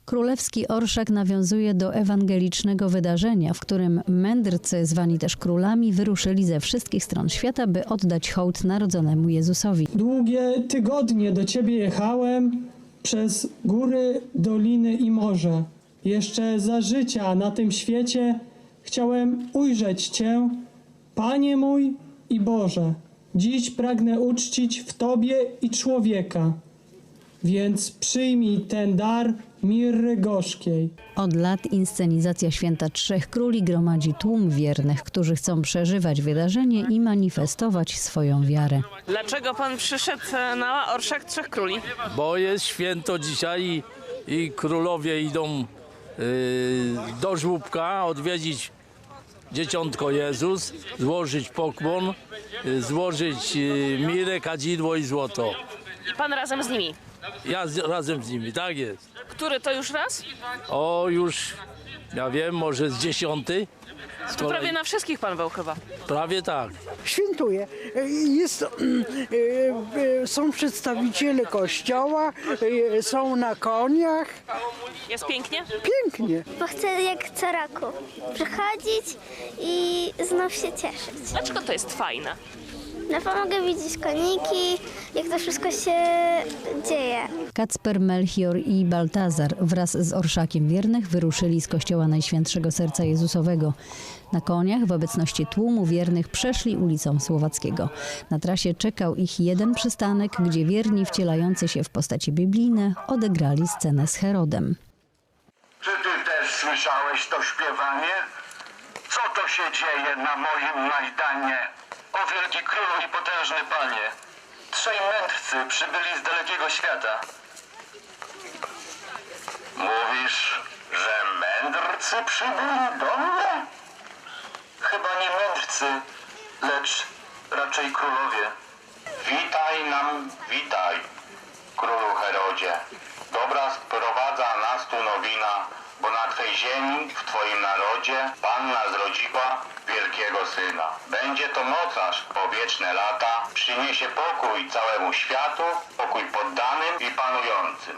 Królewski orszak nawiązuje do ewangelicznego wydarzenia, w którym mędrcy, zwani też królami, wyruszyli ze wszystkich stron świata, by oddać hołd narodzonemu Jezusowi. Długie tygodnie do Ciebie jechałem przez góry, doliny i morze. Jeszcze za życia na tym świecie chciałem ujrzeć Cię, Panie mój i Boże. Dziś pragnę uczcić w Tobie i człowieka, więc przyjmij ten dar mirry gorzkiej. Od lat inscenizacja Święta Trzech Króli gromadzi tłum wiernych, którzy chcą przeżywać wydarzenie i manifestować swoją wiarę. Dlaczego pan przyszedł na orszak Trzech Króli? Bo jest święto dzisiaj i królowie idą do żłóbka odwiedzić dzieciątko Jezus, złożyć pokłon, złożyć mirę, kadzidło i złoto. I pan razem z nimi. Ja razem z nimi, tak jest. Który to już raz? O, już, ja wiem, może z 10. To prawie na wszystkich pan był chyba. Prawie tak. Świętuje. Są przedstawiciele kościoła, są na koniach. Jest pięknie? Pięknie. Bo chcę jak co roku przychodzić i znów się cieszyć. Dlaczego to jest fajne? No pomogę widzieć koniki, jak to wszystko się dzieje. Kacper, Melchior i Baltazar wraz z orszakiem wiernych wyruszyli z kościoła Najświętszego Serca Jezusowego. Na koniach w obecności tłumu wiernych przeszli ulicą Słowackiego. Na trasie czekał ich jeden przystanek, gdzie wierni wcielający się w postaci biblijne odegrali scenę z Herodem. Czy ty też słyszałeś to śpiewanie? Co to się dzieje na moim Majdanie? O wielki królu i potężny panie! Trzej mędrcy przybyli z dalekiego świata. Mówisz, że mędrcy przybyli do mnie? Chyba nie mędrcy, lecz raczej królowie. Witaj nam, witaj, królu Herodzie. Dobra sprowadza nas tu nowina, bo na Twej ziemi, w Twoim narodzie, Panna zrodziła wielkiego Syna. Będzie to mocarz po wieczne lata, przyniesie pokój całemu światu, pokój poddanym i panującym.